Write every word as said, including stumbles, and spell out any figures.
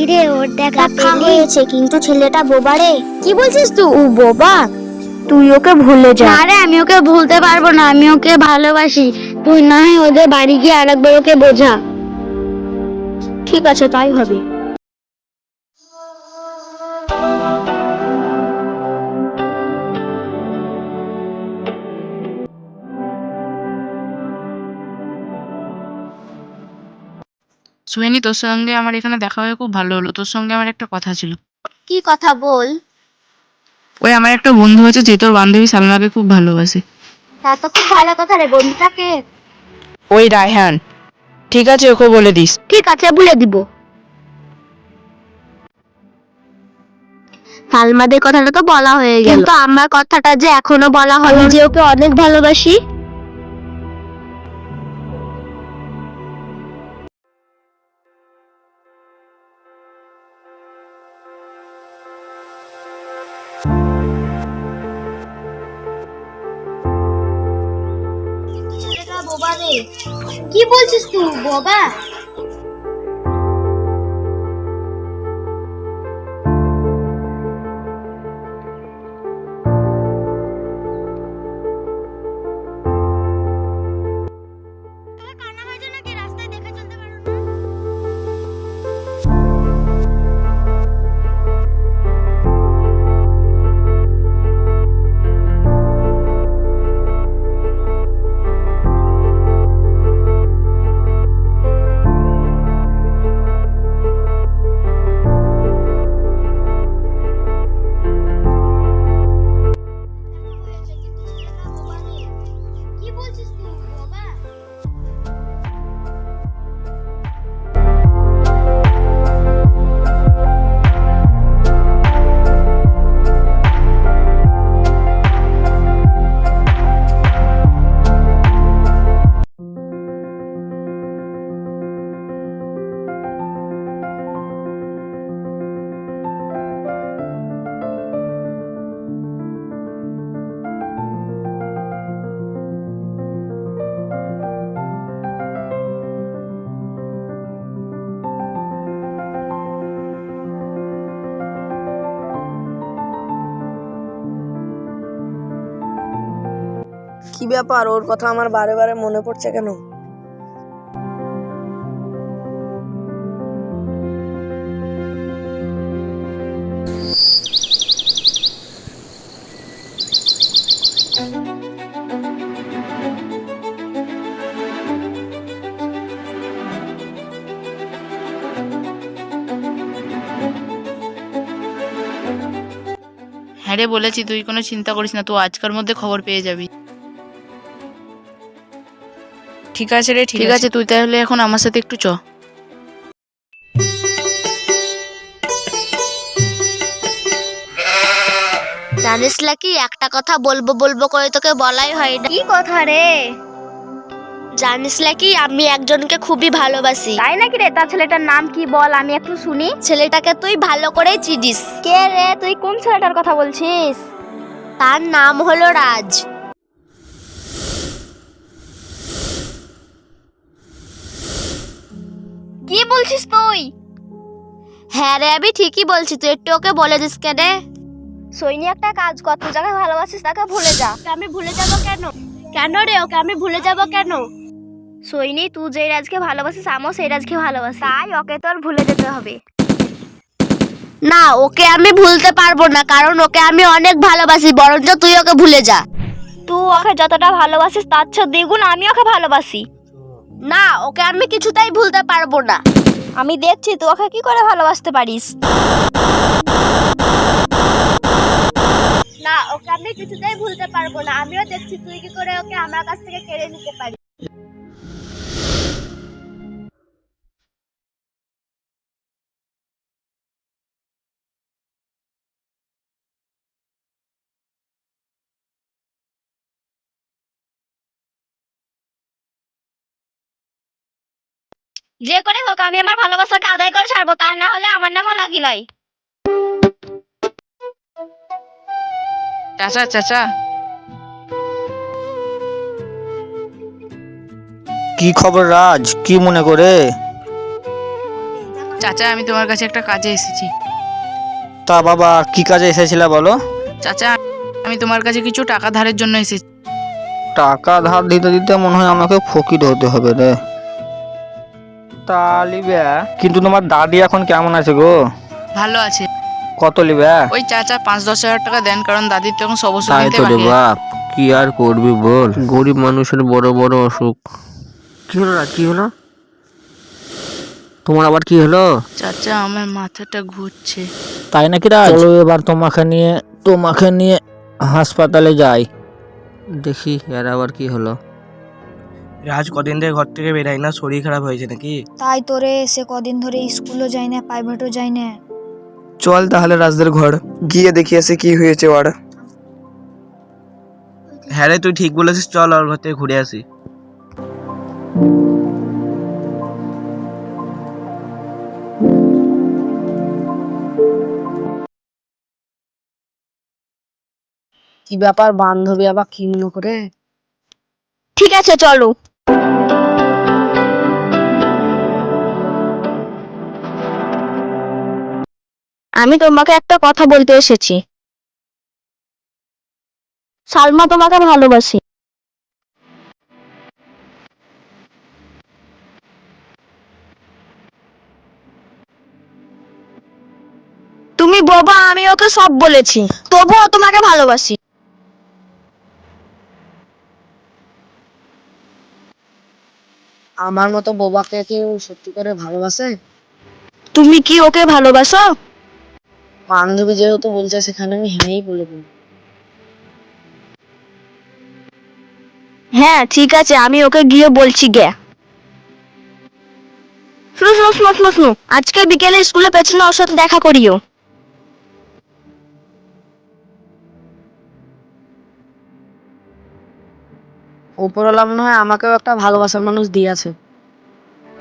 কিরে ওর দেখা পেলি? হয়েছে কিন্তু ছেলেটা বোবা রে। কি বলছিস তুই? ও বোবা, তুই ওকে ভুলে যা। না রে, আমি ওকে ভুলতে পারবো না, আমি ওকে ভালোবাসি। তুই না হয় ওদের বাড়ি গিয়ে আরেকবার ওকে বোঝা। ঠিক আছে, তাই হবে। সুহানি, তোর সঙ্গে আমার এখানে দেখা হয়ে খুব ভালো হলো। তোর সঙ্গে আমার একটা কথা ছিল। কি কথা বল? ওই আমার একটা বন্ধু হয়েছে যে তোর বান্ধবী সালমাকে খুব ভালোবাসে। তা তো খুব ভালো কথা রে, বন্ধুটাকে। ওই রায়হান। ঠিক আছে, ওকে বলে দিস। ঠিক আছে, বলে দিব। সালমাদের কথাটা তো বলা হয়ে গেল, কিন্তু আমার কথাটা যে এখনো বলা হলো যে ওকে অনেক ভালোবাসি। বোবা রে। কি বলছিস তুই? বোবা? কি বলছিস তুই? বোবা? কি ব্যাপার, ওর কথা আমার বারে বারে মনে পড়ছে কেন? হ্যাঁ রে, বলেছি, তুই কোনো চিন্তা করিস না, তুই আজকের মধ্যে খবর পেয়ে যাবি। ঠিক আছে রে, ঠিক আছে, তুই তাহলে এখন আমার সাথে একটু চ। জানিস কি, একটা কথা বলবো বলবো করে তোকে বলাই হয় না। কি কথা রে? জানিস কি, আমি একজনকে খুবই ভালোবাসি। তাই নাকি রে? তার ছেলেটার নাম কি বল, আমি একটু শুনি। ছেলেটাকে তুই ভালো করেই চিনিস। কে রে? তুই কোন ছেলেটার কথা বলছিস? তার নাম হলো রাজ। কি বলছিস তুই? হ্যাঁ রে, আমি ঠিকই বলছি, তুই একটু ওকে বলে দিস কেন? সৈনি, একটা কাজ কর, তুই যাকে ভালোবাসিস তাকে ভুলে যা। আমি ভুলে যাব কেন? কেন রে? ওকে আমি ভুলে যাব কেন? সৈনি, তুই যেই রাজকে ভালোবাসিস আমিও সেই রাজকে ভালোবাসি, তাই ওকে তোর ভুলে যেতে হবে। না, ওকে আমি ভুলতে পারবো না, কারণ ওকে আমি অনেক ভালোবাসি, বরঞ্চ তুই ওকে ভুলে যা। তুই ওকে যতটা ভালোবাসিস তার চেয়ে দ্বিগুণ আমি ওকে ভালোবাসি। না, ওকে আমি কিছুতেই ভুলতে পারবো না। আমি দেখছি তুই ওকে কি করে ভালোবাসতে পারিস। না, ওকে আমি কিছুতেই ভুলতে পারবো না, আমিও দেখছি তুই কি করে ওকে আমার কাছ থেকে কেড়ে নিতে পারিস। যে করে হোক আমি আমার ভালোবাসাকে আদায় করে ছাড়বো, তা না হলে আমার নামও লাগি নয়। চাচা, চাচা। কি খবর রাজ, কি মনে করে? চাচা, আমি তোমার কাছে একটা কাজে এসেছি। তা বাবা, কি কাজে এসেছিলে বলো? চাচা, আমি তোমার কাছে কিছু টাকা ধারের জন্য এসেছি। টাকা ধার দিতে দিতে মনে হয় আমাকে ফকির হতে হবে রে। তা লিবে, কিন্তু তোমার দাদি এখন কেমন আছে গো? ভালো আছে। কত লিবে? ওই চাচা পাঁচ দশ হাজার টাকা দেন, কারণ দাদির তখন সব ওষুধ তাই কিনতে তো রে বাকি আছে। বাপ, কি আর করবি বল, গরিব মানুষের বড় বড় অসুখ। কি হলো রাজ, কি হলো তোমার, আবার কি হলো? চাচা, আমার মাথাটা ঘুরছে। তাই নাকি রাজ? চলো এবার তোমাকে নিয়ে তোমাকে নিয়ে হাসপাতালে যাই। দেখি এর আবার কি হলো। রাজ কদিন ধরে ঘর থেকে বেরাই না, শরীর খারাপ হয়েছে নাকি? তাই তোরে সে কদিন ধরে স্কুলও যায় না, প্রাইভেটও যায় না। চল তাহলে রাজদের ঘর গিয়ে দেখি আসে কি হয়েছে ওর। হ্যাঁ রে, তুই ঠিক বলেছিস, চল ওর ঘর থেকে ঘুরে আসি। কি ব্যাপার, বান্ধবী আবার কি মনে করে? ঠিক আছে চলো। আমি তোমাকে একটা কথা বলতে এসেছি। সালমা তোমাকে ভালোবাসি। তুমি বোবা, আমি ওকে সব বলেছি, তবুও তোমাকে ভালোবাসি। আমার মতো বোবাকে কেউ সত্যি করে ভালোবাসে? তুমি কি ওকে ভালোবাসো? বান্ধবী যেহেতু বলছে সেখানে আমি হ্যাঁই বলে দেবো। হ্যাঁ ঠিক আছে, আমি ওকে গিয়ে বলছি গে। শুনো শুনো শুনো শুনো শুনো, আজকে বিকেলে স্কুলের পেছনে ওর সাথে দেখা করিও। উপরওয়ালা মনে হয় আমাকেও একটা ভালোবাসার মানুষ দিয়েছে।